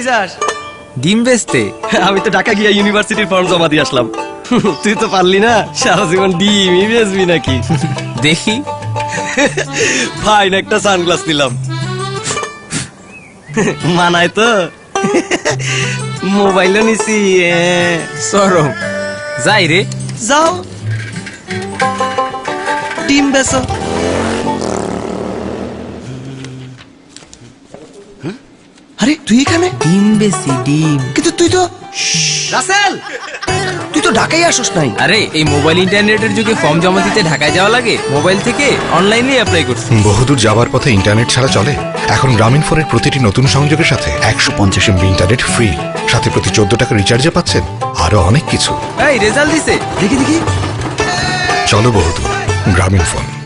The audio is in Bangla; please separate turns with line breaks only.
কই যাস?
ডিম বেচতে।
আমি তো ঢাকা গিয়া ইউনিভার্সিটির ফর্ম জমা দিয়ে আসলাম। তুই তো পারলি না, সারা জীবন ডিমই বেচবি নাকি?
দেখি।
ফাইন একটা সানগ্লাস নিলাম, মানায় তো। মোবাইলও নিছি।
সরম। যাই রে।
যাও, ডিম বেচো। আরে তুই এখানে?
ডিম বেচি, ডিম।
কিন্তু তুই তো রাসেল, তুই তো ঢাকায় আসোস নাই।
আরে এই মোবাইল ইন্টারনেটের যুগে ফর্ম জমা দিতে ঢাকায় যাওয়া লাগে, মোবাইল থেকে অনলাইনে অ্যাপ্লাই করছি।
বহুদূর যাবার পথে ইন্টারনেট ছাড়া চলে? এখন গ্রামীণ ফোনের প্রতিটি নতুন সংযোগের সাথে 150 MB ইন্টারনেট ফ্রি, সাথে প্রতি 14 টাকা রিচার্জে পাচ্ছেন আরো অনেক কিছু।
এই রেজাল্ট দিছে,
দেখি দেখি।
চলো বহুদূর, গ্রামীণ ফোন।